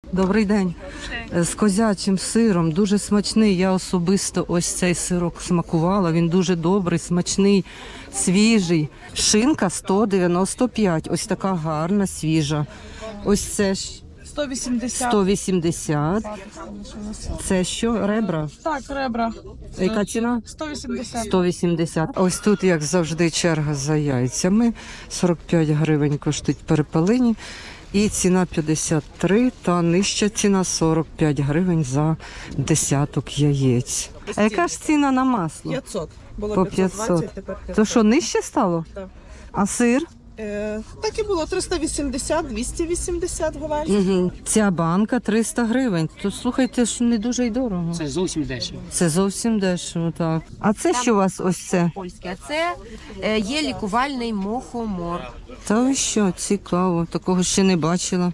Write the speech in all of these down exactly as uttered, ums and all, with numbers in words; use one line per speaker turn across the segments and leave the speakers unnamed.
Добрий день. З козячим сиром, дуже смачний. Я особисто ось цей сирок смакувала. Він дуже добрий, смачний, свіжий. Шинка сто дев'яносто п'ять. Ось така гарна, свіжа. Ось це ж
сто вісімдесят.
сто вісімдесят. Це що, ребра?
Так, ребра.
Яка ціна?
сто вісімдесят.
сто вісімдесят. Ось тут, як завжди, черга за яйцями. сорок п'ять гривень коштують перепелині. І ціна п'ятдесят три, та нижча ціна сорок п'ять гривень за десяток яєць. А яка ж ціна на масло?
п'ятсот. Було
По
п'ятсот
п'ятсот.
двадцять, тепер п'ятсот.
То що, нижче стало?
Так.
А сир?
Е, так і було триста вісімдесят, двісті вісімдесят говерлі.
Угу. Ця банка триста гривень. То слухайте, що не дуже й дорого.
Це зовсім дешево.
Це зовсім дешево, так. А це що у вас ось це?
Польське. А це е, є лікувальний мухомор.
Та ви що, цікаво, такого ще не бачила.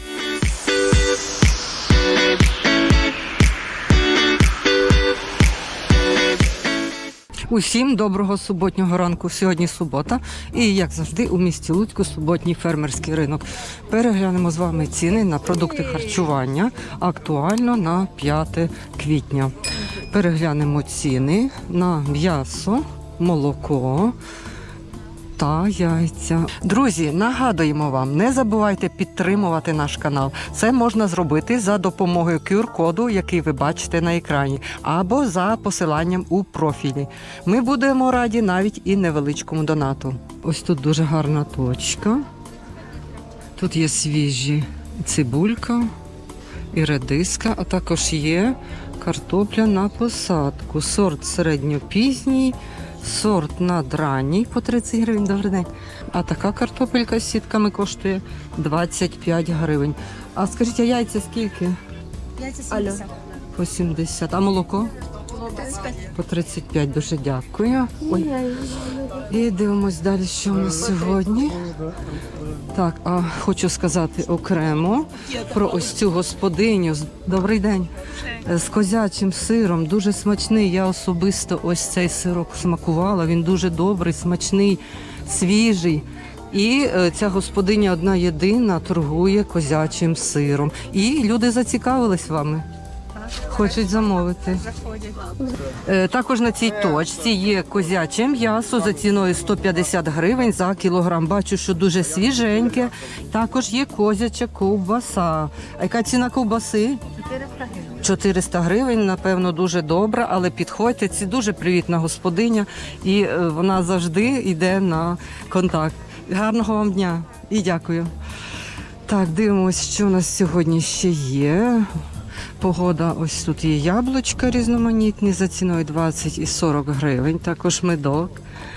Усім доброго суботнього ранку. Сьогодні субота і, як завжди, у місті Луцьку суботній фермерський ринок. Переглянемо з вами ціни на продукти харчування актуально на п'яте квітня. Переглянемо ціни на м'ясо, молоко та яйця. Друзі, нагадуємо вам, не забувайте підтримувати наш канал. Це можна зробити за допомогою ку ар-коду, який ви бачите на екрані, або за посиланням у профілі. Ми будемо раді навіть і невеличкому донату. Ось тут дуже гарна точка. Тут є свіжі цибулька і редиска, а також є картопля на посадку. Сорт середньопізній, сорт надранній по тридцять гривень. Добрий день. А така картопелька з сітками коштує двадцять п'ять гривень. А скажіть, а яйця скільки?
Яйця сімдесят.
По сімдесят. А молоко? По тридцять п'ять. Дуже дякую. Ой. І дивимось далі, що у нас сьогодні. Так, а хочу сказати окремо про ось цю господиню. Добрий день. З козячим сиром, дуже смачний. Я особисто ось цей сирок смакувала. Він дуже добрий, смачний, свіжий. І е, ця господиня одна єдина торгує козячим сиром. І люди зацікавились вами. Хочуть замовити. Е, також на цій точці є козяче м'ясо за ціною сто п'ятдесят гривень за кілограм. Бачу, що дуже свіженьке. Також є козяча ковбаса. А яка ціна ковбаси? чотириста гривень, напевно, дуже добра, але підходьте, це дуже привітна господиня і е, вона завжди йде на контакт. Гарного вам дня і дякую. Так, дивимося, що у нас сьогодні ще є. Погода, ось тут є яблучка різноманітні за ціною двадцять і сорок гривень, також медок.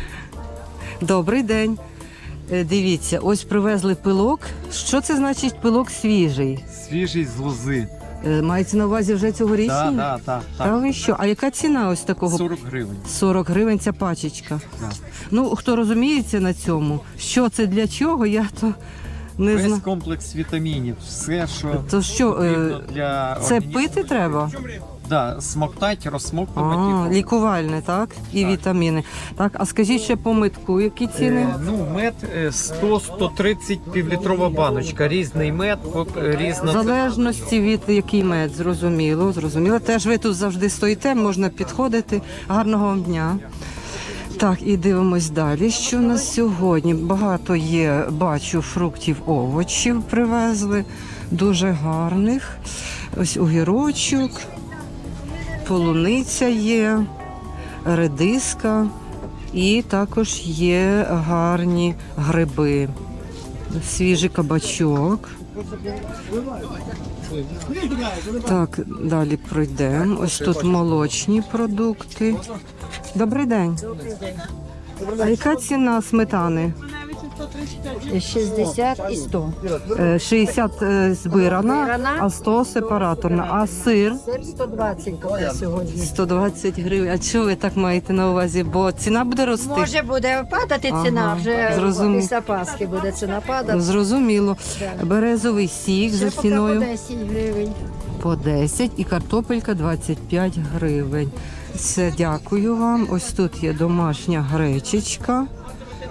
Добрий день. Е, Дивіться, ось привезли пилок. Що це значить пилок свіжий?
Свіжий з лози.
Е, Мається на увазі вже цьогорічний?
Так, так, так.
Та ви що? А яка ціна ось такого?
сорок гривень.
сорок гривень ця пачечка.
Так.
Ну, хто розуміється на цьому, що це для чого, я то не
Весь
знаю.
комплекс вітамінів, все, що
То що, е,
потрібно для
це
організму.
пити треба?
Да, смоктать, розсмоктувати.
А, лікувальне, так? І
Так.
вітаміни. Так, а скажіть ще по митку, які ціни?
Е, ну, мед е, сто сто тридцять півлітрова баночка. Різний мед, от, е,
В
різна.
залежності від який мед, зрозуміло, зрозуміло. Теж ви тут завжди стоїте, можна підходити. Гарного вам дня. Так, і дивимось далі, що у нас сьогодні. Багато є, бачу, фруктів, овочів привезли, дуже гарних. Ось огірочок, полуниця є, редиска і також є гарні гриби. Свіжий кабачок. Так, далі пройдемо. Ось тут молочні продукти. Добрий день. А яка ціна сметани?
шістдесят і сто.
Е, шістдесят е, збирана,
Збирана.
а сто сепараторна. А сир?
Сир сто двадцять поки сьогодні.
сто двадцять гривень. А чого ви так маєте на увазі? Бо ціна буде рости?
Може буде падати ціна,
Ага,
вже
зрозумів.
після Пасхи буде ціна падати.
Зрозуміло.
Да.
Березовий сік за
Ще поки по
ціною
десять гривень.
по десять і картопелька двадцять п'ять гривень. Все, дякую вам. Ось тут є домашня гречечка.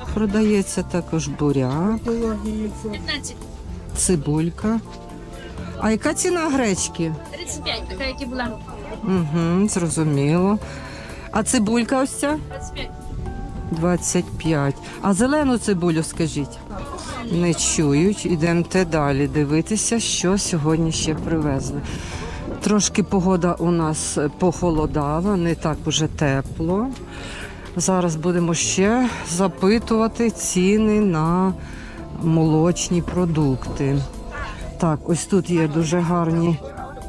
Продається також буряк, цибулька. А яка ціна гречки?
тридцять п'ять, така, як і була.
Угу, зрозуміло. А цибулька ось ця?
двадцять п'ять.
двадцять п'ять. А зелену цибулю скажіть? Не чують. Ідемте далі дивитися, що сьогодні ще привезли. Трошки погода у нас похолодала, не так уже тепло. Зараз будемо ще запитувати ціни на молочні продукти. Так, ось тут є дуже гарні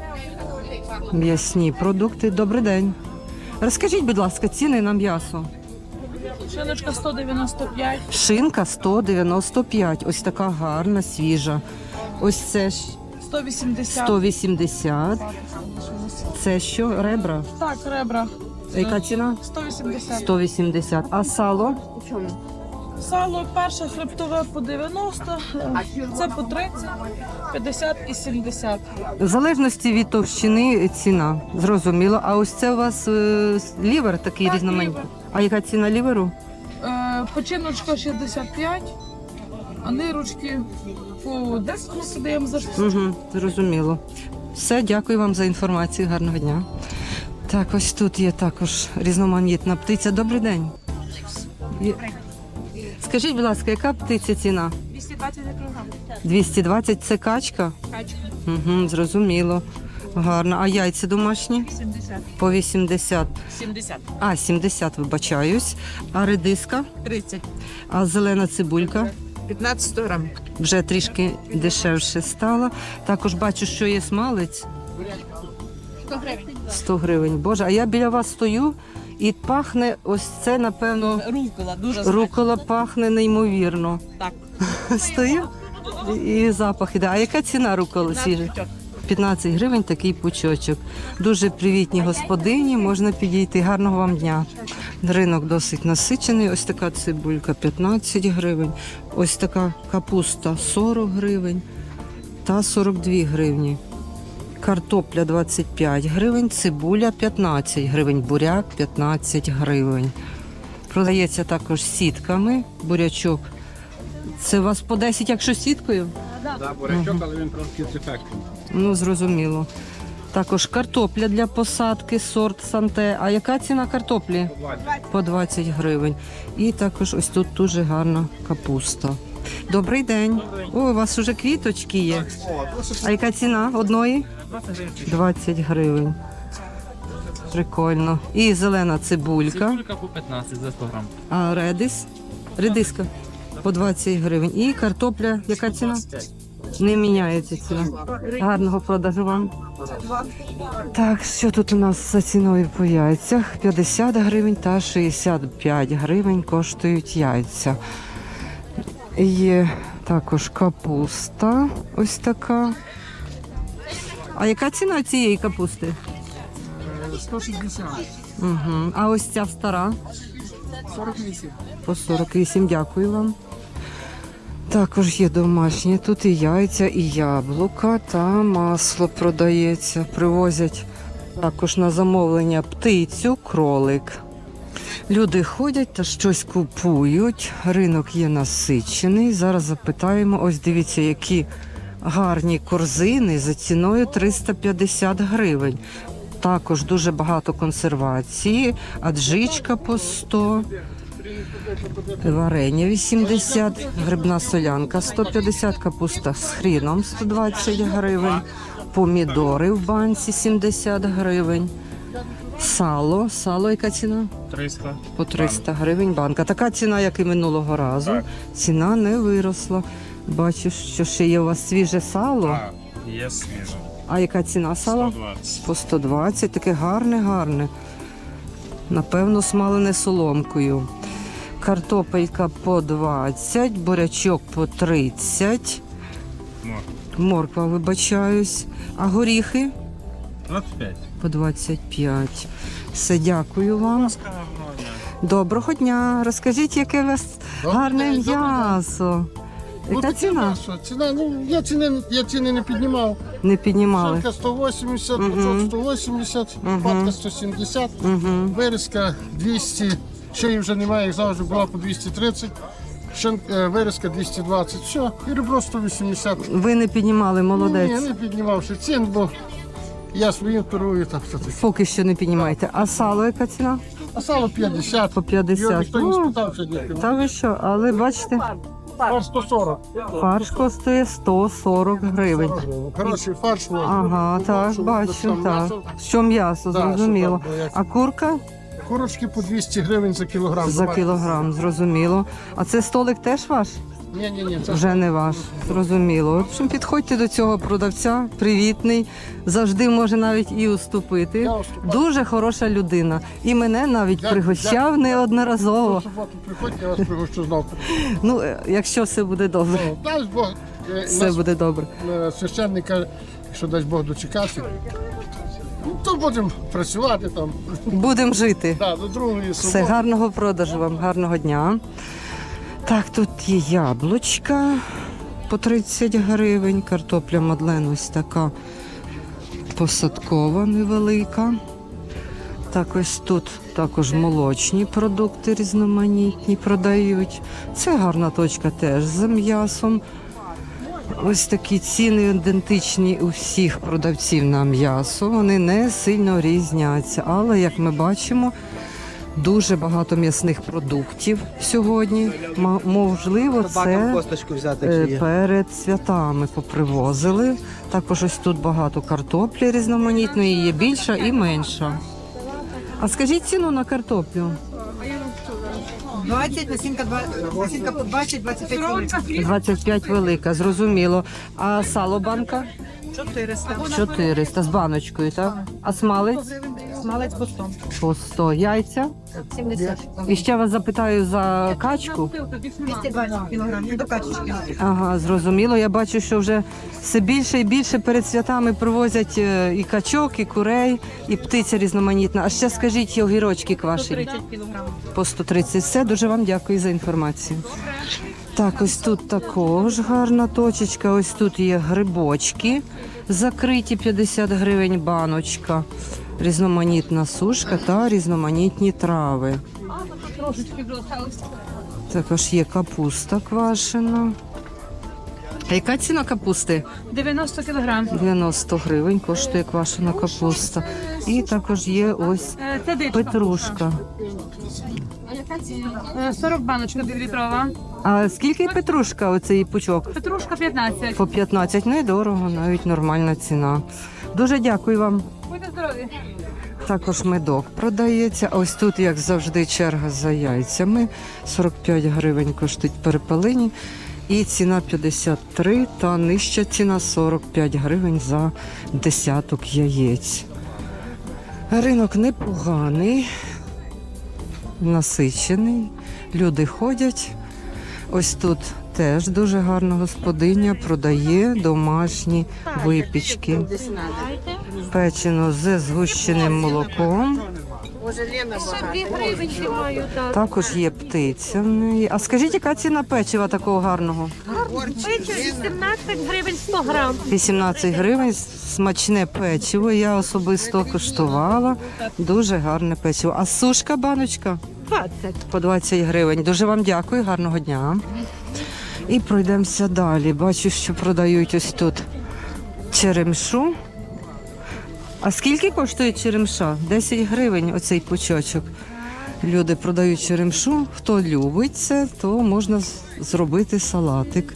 м'ясні продукти. Добрий день. Розкажіть, будь ласка, ціни на м'ясо.
Шиночка сто дев'яносто п'ять.
Шинка сто дев'яносто п'ять. Ось така гарна, свіжа. Ось це ж
сто вісімдесят.
сто вісімдесят. Це що, ребра?
Так, ребра.
Яка ціна?
сто вісімдесят.
сто вісімдесят. А сало?
Сало перше хребтове по дев'яносто, це по тридцять, п'ятдесят і сімдесят.
В залежності від товщини ціна. Зрозуміло. А ось це у вас е, лівер такий
Так,
різноманітний.
лівер.
А яка ціна ліверу?
Е, Починочка шістдесят п'ять, а нирочки по десять ми подаємо за штуку.
Угу, зрозуміло. Все, дякую вам за інформацію. Гарного дня. Так, ось тут є також різноманітна птиця. Добрий день. Є- Скажіть, будь ласка, яка птиця ціна?
двісті двадцять кілограм.
двісті двадцять це качка?
Качка.
Угу, зрозуміло. Гарно. А яйця домашні?
сімдесят.
По вісімдесят.
сімдесят.
А, сімдесят, вибачаюсь. А редиска?
тридцять.
А зелена цибулька?
п'ятнадцять грам.
Вже трішки дешевше стало. Також бачу, що є смалець.
сто гривень.
сто гривень. Боже, а я біля вас стою і пахне ось це, напевно,
Рукола, дуже
рукола пахне неймовірно.
Так.
Стою і запах іде. А яка ціна руколи свіжа? п'ятнадцять гривень такий пучочок. Дуже привітні господині, можна підійти. Гарного вам дня. Ринок досить насичений. Ось така цибулька п'ятнадцять гривень. Ось така капуста сорок гривень та сорок дві гривні. Картопля двадцять п'ять гривень, цибуля п'ятнадцять гривень, буряк п'ятнадцять гривень. Продається також сітками, бурячок. Це у вас по десять, якщо сіткою?
Да, бурячок, але він трошки з ефектом.
Ну, зрозуміло. Також картопля для посадки, сорт Санте. А яка ціна картоплі? По двадцять гривень. І також ось тут дуже гарна капуста. Добрий день. О, у вас вже квіточки є. А яка ціна одної? двадцять гривень. Прикольно. І зелена цибулька.
Цибулька по п'ятнадцять за сто грам.
А редис? Редиска по двадцять гривень. І картопля, яка ціна? Не міняється ціна. Гарного продажу вам. Так, що тут у нас за ціною по яйцях? п'ятдесят гривень та шістдесят п'ять гривень коштують яйця. Є також капуста ось така. А яка ціна цієї капусти?
сто шістдесят.
Угу. А ось ця стара?
сорок вісім.
По сорок вісім, дякую вам. Також є домашні, тут і яйця, і яблука, та масло продається. Привозять також на замовлення птицю, кролик. Люди ходять та щось купують. Ринок є насичений. Зараз запитаємо, ось дивіться, які гарні корзини за ціною триста п'ятдесят гривень. Також дуже багато консервації, аджичка по сто, варення вісімдесят, грибна солянка сто п'ятдесят, капуста з хріном сто двадцять гривень, помідори в банці сімдесят гривень, сало, сало яка ціна?
триста.
По триста гривень банка. Така ціна, як і минулого разу. Ціна не виросла. Бачу, що ще є у вас свіже сало.
Так, є свіже.
А яка ціна сала?
сто двадцять.
По сто двадцять, таке гарне, гарне. Напевно, смалене соломкою. Картопелька по двадцять, бурячок по тридцять.
Морква.
Морква, вибачаюсь. А горіхи?
двадцять п'ять.
По двадцять п'ять. Все, дякую вам.
Гарного дня.
Доброго дня. Розкажіть, яке у вас гарне
день, добрий
м'ясо. Яка
таке
ціна?
м'ясо. Ціна, ну, я ціни, я ціни не піднімав.
Не піднімали.
Шарка сто вісімдесят,
Мгм.
пучок сто вісімдесят,
Мгм.
патка сто сімдесят,
Угу.
вирізка двісті, ще її вже немає, як завжди була по двісті тридцять. Шен, е, вирізка двісті двадцять, все, і ребро сто вісімдесят.
Ви не піднімали, молодець.
Ні, не піднімавши цін, бо я своїм торгую, так що таке.
Поки що не піднімаєте. А сало яка ціна?
А сало п'ятдесят.
По п'ятдесят.
Його ніхто не
Ну,
спитав сьогодні.
Та ви що, але бачите,
Фарш сто сорок.
фарш коштує сто сорок гривень.
Хороший фарш. можна.
Ага, так,
Щоб
бачу,
там
так.
м'ясо.
Що м'ясо,
Да,
зрозуміло.
що там, як-
А курка
Курочки по двісті гривень за кілограм.
за кілограм, зрозуміло. А це столик теж ваш?
Ні, ні, ні, це
Вже не ваш, зрозуміло. В общем, підходьте до цього продавця, привітний, завжди може навіть і уступити.
Я уступаю.
Дуже хороша людина. І мене навіть
Дякую,
пригощав
дякую.
неодноразово.
в суботу приходьте, я вас пригощу знов.
Ну, е, якщо все буде добре,
Ну, дай Бог, е,
все
нас,
буде добре.
е, священник каже, що дасть Бог дочекати. Ну, то будемо працювати там.
Будемо жити.
Да, до другої
Все,
суботи.
гарного продажу вам, гарного дня. Так, тут є яблучка по тридцять гривень, картопля Мадлен ось така посадкова невелика. Так, ось тут також молочні продукти різноманітні продають. Це гарна точка теж з м'ясом. Ось такі ціни ідентичні у всіх продавців на м'ясо. Вони не сильно різняться, але як ми бачимо, дуже багато м'ясних продуктів сьогодні. Ма- Можливо, це
Косточку взяти,
е,
якщо є.
перед святами попривозили. Також ось тут багато картоплі різноманітної, є більша і менша. А скажіть ціну на картоплю.
двадцять, насінка двадцять, насінка по двадцять, двадцять п'ять хвилин.
двадцять п'ять велика, зрозуміло. А сало банка?
чотириста.
чотириста з баночкою, так? А смалець?
Смалець по сто.
По сто. Яйця?
сімдесят.
І ще вас запитаю за качку.
двісті двадцять кілограмів до качечки.
Ага, зрозуміло. Я бачу, що вже все більше і більше перед святами привозять е, і качок, і курей, і птиця різноманітна. А ще скажіть, є огірочки квашені?
кілограмів.
По сто тридцять. Все, дуже вам дякую за інформацію. Так, ось тут також гарна точечка. Ось тут є грибочки закриті, п'ятдесят гривень баночка. Різноманітна сушка та різноманітні трави. Також є капуста квашена. А яка ціна капусти?
дев'яносто кілограм.
дев'яносто гривень коштує квашена капуста. І також є ось
Е, Це дичка.
петрушка.
Е, сорок баночка півлітрова.
А скільки петрушка оцей пучок?
Петрушка п'ятнадцять.
По п'ятнадцять, недорого, навіть нормальна ціна. Дуже дякую вам.
Будьте здорові.
Також медок продається. А ось тут, як завжди, черга за яйцями. сорок п'ять гривень коштують перепелині. І ціна п'ятдесят три, та нижча ціна сорок п'ять гривень за десяток яєць. Ринок непоганий, насичений. Люди ходять. Ось тут теж дуже гарна господиня продає домашні випічки. Печено з згущеним молоком. Також є птиця в неї. А скажіть, яка ціна печива такого гарного?
вісімнадцять гривень сто грам.
вісімнадцять гривень, смачне печиво. Я особисто коштувала. Дуже гарне печиво. А сушка баночка?
двадцять.
По двадцять гривень. Дуже вам дякую, гарного дня. І пройдемося далі. Бачу, що продають ось тут черемшу. А скільки коштує черемша? десять гривень оцей пучочок. Люди продають черемшу. Хто любить це, то можна з- зробити салатик.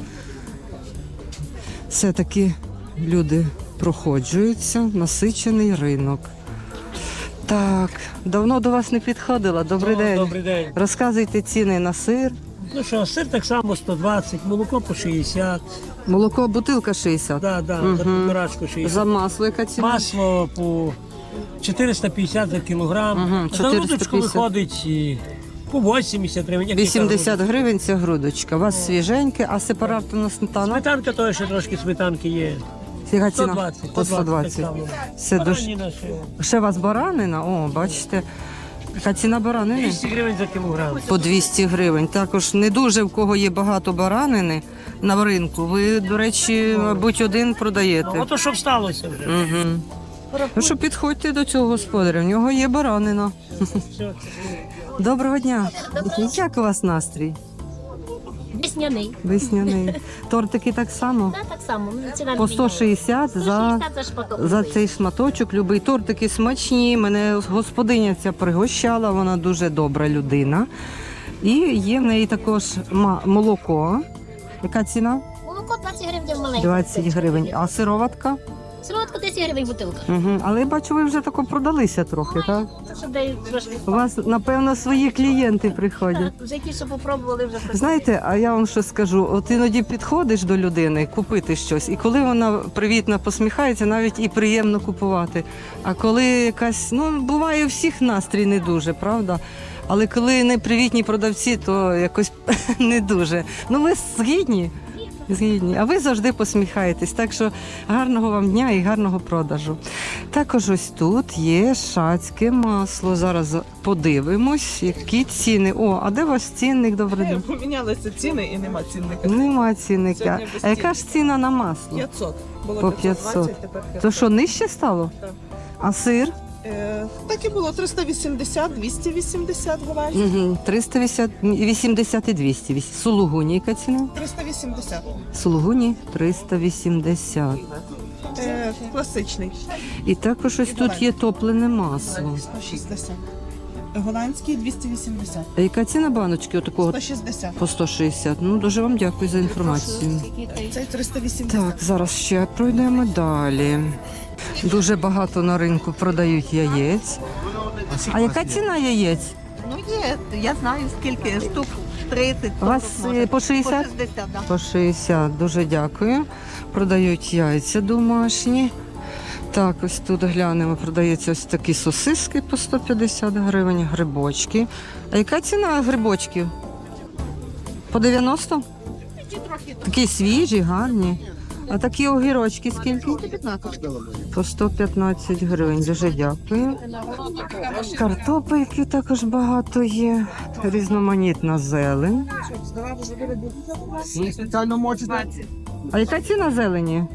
Все-таки люди проходжуються, насичений ринок. Так, давно до вас не підходила. Добрий день.
Добрий день.
Розказуйте ціни на сир.
Ну що, сир так само сто двадцять, молоко по шістдесят,
Молоко, бутилка шістдесят.
да, да,
Мгм.
за півторачку шістдесят.
За масло яка ціна?
Масло по чотириста п'ятдесят за кілограм.
Мгм,
За
чотириста
грудочку
п'ятдесят.
виходить і по вісімдесят гривень. як
вісімдесят
яка
гривень ця грудочка. У вас свіженьке, а сепаратна сметана?
Сметанка то ще трошки сметанки є.
Яка
сто
ціна?
двадцять.
По сто двадцять. Це дуже...
Бараніна ще.
Ще у вас баранина? О, бачите. Яка ціна баранини?
двісті гривень за кілограм.
По двісті гривень. Також не дуже в кого є багато баранини на ринку. Ви, до речі, мабуть, один
Ну,
продаєте.
ото щоб сталося вже.
Угу. Ну що, підходьте до цього господаря, в нього є баранина.
Все.
Доброго дня. Як у вас настрій?
Весняний.
Весняний. Тортики так само.
Да, так само. Ціна
По сто шістдесят за,
сто шістдесят за шматок.
за цей шматочок. Любий тортики смачні. Мене господиня ця пригощала, вона дуже добра людина. І є в неї також ма- молоко. Яка ціна?
Молоко двадцять гривень маленьке.
двадцять гривень. А сироватка?
Солодко десять гривень бутилка.
Угу. Але я бачу, ви вже тако продалися трохи, так?
Це що дають трошки.
У вас, напевно, свої клієнти приходять.
Вже ті, що попробували, вже приходять.
Знаєте, а я вам що скажу, от іноді підходиш до людини купити щось, і коли вона привітно посміхається, навіть і приємно купувати. А коли якась, ну, буває у всіх настрій не дуже, правда? Але коли не привітні продавці, то якось не дуже. Ну, ви згідні? Згідні. А ви завжди посміхаєтесь. Так що гарного вам дня і гарного продажу. Також ось тут є шацьке масло. Зараз подивимось, які ціни. О, а де ваш цінник? Добрий день.
Помінялися ціни і нема цінника.
Нема цінника.
Сьогодні без
А яка ж ціна на масло?
п'ятсот. Було
По
п'ятсот двадцять, тепер
То
п'ятсот.
що, нижче стало?
Так.
А сир?
Е, так і було триста вісімдесят, двісті вісімдесят говажі.
Угу. триста вісімдесят і двісті. Сулугуні яка ціна?
триста вісімдесят.
Сулугуні триста вісімдесят.
Е, класичний.
І також ось тут є топлене масло.
сто шістдесят. Голландський двісті вісімдесят.
А яка ціна баночки отакого?
сто шістдесят.
По сто шістдесят. Ну, дуже вам дякую за інформацію.
Цей триста вісімдесят.
Так, зараз ще пройдемо далі. Дуже багато на ринку продають яєць. А яка ціна яєць?
Ну є, я знаю скільки штук. тридцять.
У вас е, по шістдесят?
шістдесят, да.
По шістдесят. Дуже дякую. Продають яйця домашні. Так, ось тут глянемо, продаються ось такі сосиски по сто п'ятдесят гривень, грибочки. А яка ціна грибочків? По дев'яносто? Такі свіжі, гарні. А такі огірочки скільки? По сто п'ятнадцять гривень. Дуже дякую. Картопельки також багато є. Різноманітна зелень. А яка ціна зелені?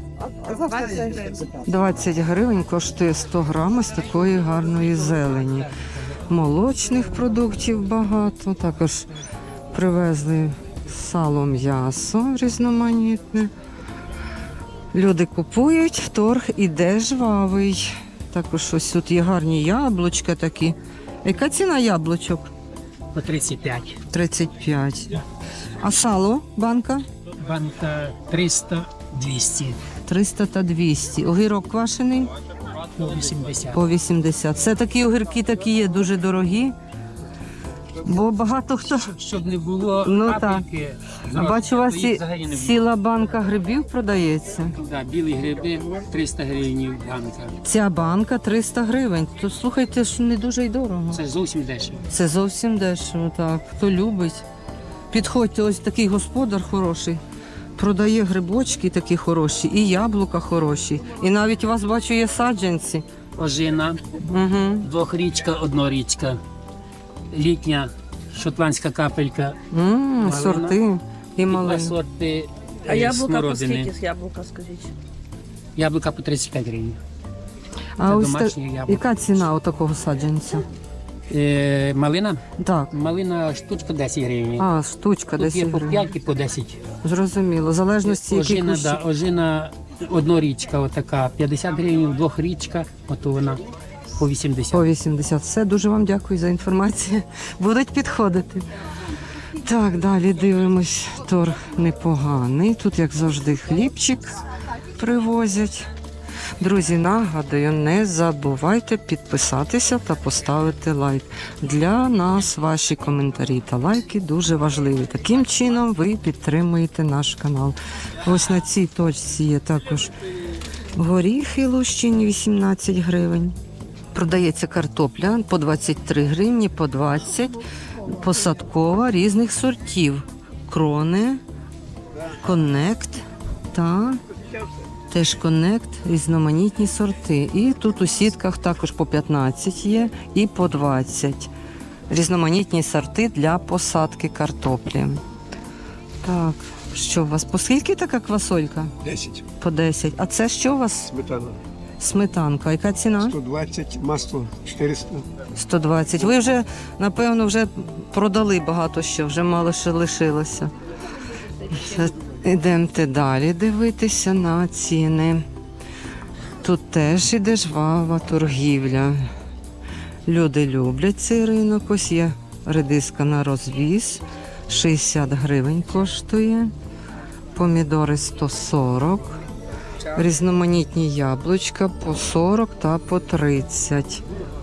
двадцять гривень коштує сто грам ось такої гарної зелені. Молочних продуктів багато. Також привезли сало, м'ясо різноманітне. Люди купують, торг іде жвавий. Також ось тут є гарні яблучка такі. Яка ціна яблучок?
По тридцять п'ять.
тридцять п'ять. А сало, банка?
Банка триста двісті.
триста та двісті. Огірок квашений?
По вісімдесят.
По вісімдесят. Це такі огірки такі є дуже дорогі. Бо багато хто.
Щоб не було
Ну,
капельки.
А бачу, у вас
то їх
і
взагалі не було.
ціла банка грибів продається.
Да, білі гриби триста гривень банка.
Ця банка триста гривень. То слухайте, що не дуже й дорого.
Це зовсім дешево.
Це зовсім дешево, так. Хто любить. Підходьте, ось такий господар хороший. Продає грибочки такі хороші, і яблука хороші. І навіть у вас, бачу, є саджанці.
Ожина,
Угу.
двохрічка, однорічка. Літня шотландська капелька.
М, сорти і
І два
малини.
сорти
А
е,
яблука по
смородини.
скільки з яблука, скажіть?
Яблука по тридцять п'ять гривень.
А
Це
ось та...
домашні яблука.
яка ціна у такого саджанця?
Е, малина?
Так.
Малина штучка десять гривень.
А, штучка
Тут є
десять
по
гривень.
п'ять і по десять.
Зрозуміло. В залежності, які
Ожина,
кущі.
да, ожина однорічка, отака, п'ятдесят гривень, двохрічка, ото вона по вісімдесят.
По вісімдесят. Все, дуже вам дякую за інформацію. Будуть підходити. Так, далі дивимось. Торг непоганий. Тут, як завжди, хлібчик привозять. Друзі, нагадую, не забувайте підписатися та поставити лайк. Для нас ваші коментарі та лайки дуже важливі. Таким чином ви підтримуєте наш канал. Ось на цій точці є також горіхи лущені вісімнадцять гривень. Продається картопля по двадцять три гривні, по двадцять, посадкова різних сортів. Крони, коннект та теж коннект, різноманітні сорти. І тут у сітках також по п'ятнадцять є і по двадцять. Різноманітні сорти для посадки картоплі. Так, що у вас? По скільки така квасолька?
десять.
По десять. А це що у вас?
Сметана.
Сметанка. Яка ціна?
сто двадцять, масло чотириста.
сто двадцять. Ви вже, напевно, вже продали багато що, вже мало що лишилося. Ідемте далі дивитися на ціни. Тут теж іде жвава торгівля. Люди люблять цей ринок. Ось є редиска на розвіз. шістдесят гривень коштує. Помідори сто сорок. Різноманітні яблучка по сорок та по тридцять.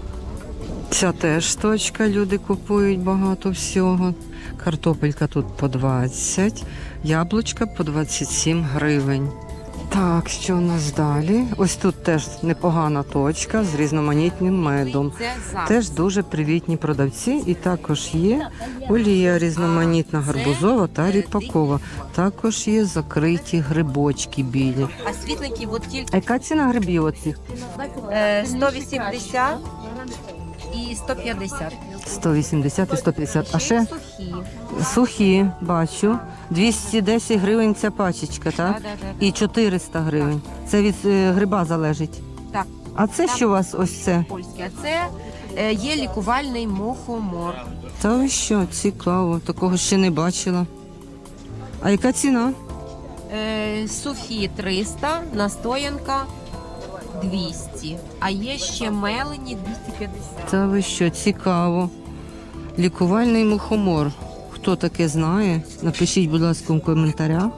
Ця теж точка, люди купують багато всього. Картопелька тут по двадцять, яблучка по двадцять сім гривень. Так, що у нас далі? Ось тут теж непогана точка з різноманітним медом. Теж дуже привітні продавці. І також є олія різноманітна, гарбузова та ріпакова. Також є закриті грибочки білі.
А світленькі от тільки
А яка ціна грибів оцих?
е, сто вісімдесят і сто п'ятдесят.
сто вісімдесят і сто п'ятдесят. А ще
сухі.
сухі, бачу. двісті десять гривень ця пачечка, так?
Да, да, да.
І чотириста гривень. Це від е, гриба залежить.
Так.
А це що у вас ось це?
Польські. А це е, є лікувальний мухомор.
Та ви що, цікаво, такого ще не бачила. А яка ціна?
Е, сухі триста, настоянка двісті. А є ще мелені двісті п'ятдесят.
Та ви що, цікаво. Лікувальний мухомор. Хто таке знає? Напишіть, будь ласка, в коментарях.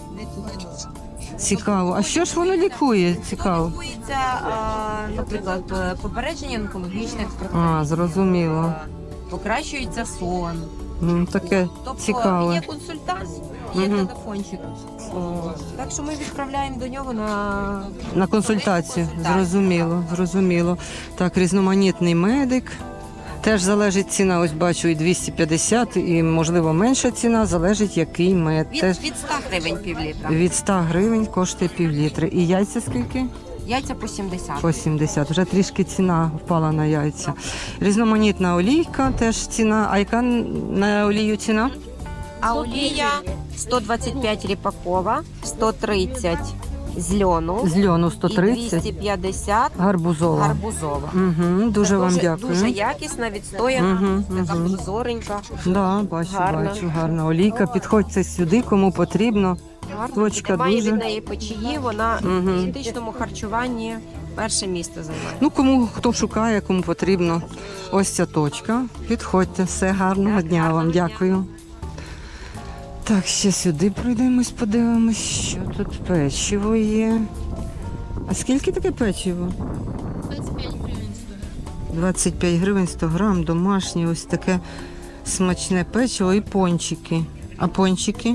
Цікаво. А що ж воно лікує? Цікаво.
Лікується, а, наприклад, е, попередження онкологічних процесів.
А, зрозуміло.
Е, Покращується сон.
Ну, таке
Тобто
цікаве.
є консультант, є
Мгм.
телефончик. О, так що ми відправляємо до нього на
На консультацію.
Так.
Зрозуміло, зрозуміло. Так, різноманітний медик. Теж залежить ціна, ось бачу, і двісті п'ятдесят, і, можливо, менша ціна, залежить, який мед.
від,
Теж
від ста гривень півлітра.
від ста гривень коштує півлітри. І яйця скільки?
Яйця по сімдесят.
По сімдесят. Вже трішки ціна впала на яйця. Різноманітна олійка, теж ціна. А яка на олію ціна?
А олія сто двадцять п'ять ріпакова, сто тридцять з льону
З льону
і
сто тридцять,
двісті п'ятдесят
гарбузова.
гарбузова.
Угу, дуже
Це
вам
дуже,
дякую.
Дуже якісна, відстояна,
Мгм,
така
мгм.
прозоренька.
Да, бачу,
Гарна.
бачу, гарна олійка. Підходьте сюди, кому потрібно.
Гарна.
Точка
Немає
дуже.
від неї печії, вона
Мгм.
в дієтичному харчуванні перше місце займає.
Ну, кому хто шукає, кому потрібно. Ось ця точка. Підходьте, все гарного
Так,
дня
гарного
вам.
дня.
Дякую. Так, ще сюди пройдемось, подивимось, що тут печиво є. А скільки таке печиво? двадцять п'ять гривень сто грам, домашнє, ось таке смачне печиво і пончики. А пончики?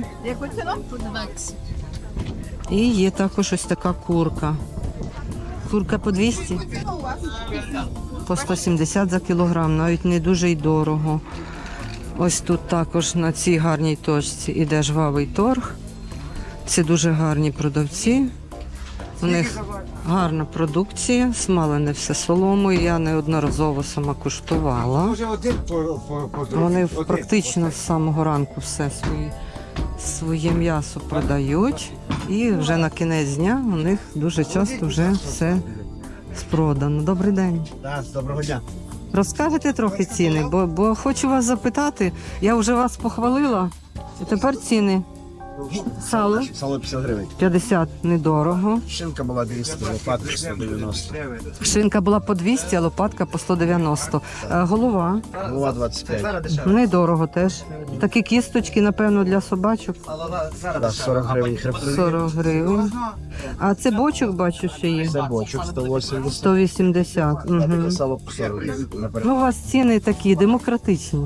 І є також ось така курка. Курка по двісті? По сто сімдесят за кілограм, навіть не дуже й дорого. Ось тут також на цій гарній точці іде жвавий торг. Це дуже гарні продавці. У них гарна продукція, смалене все соломою. Я неодноразово сама куштувала. Вони практично з самого ранку все своє, своє м'ясо продають. І вже на кінець дня у них дуже часто вже все спродано. Добрий день.
Доброго дня.
Розкажете трохи ціни, бо, бо хочу вас запитати. Я вже вас похвалила. І тепер ціни. Сало
Сало п'ятдесят гривень.
п'ятдесят недорого.
Шинка була двісті, лопатка сто дев'яносто.
Шинка була по двісті, а лопатка по сто дев'яносто. Е, Голова
Голова двадцять п'ять.
недорого теж. Такі кісточки, напевно, для собачок.
Да, сорок гривень хребти.
сорок гривень. А це бочок, бачу, що є.
Це бочок сто вісімдесят.
сто вісімдесят.
А таке
Угу.
сало по сорок.
Ну, у вас ціни такі демократичні.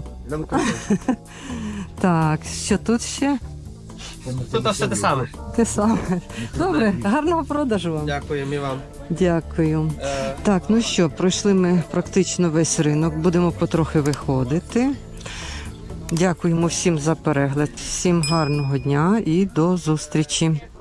Так, що тут ще?
Тут все те саме.
Те саме. Добре, гарного продажу вам.
Дякую, і вам.
Дякую. Так, ну що, пройшли ми практично весь ринок. Будемо потрохи виходити. Дякуємо всім за перегляд. Всім гарного дня і до зустрічі.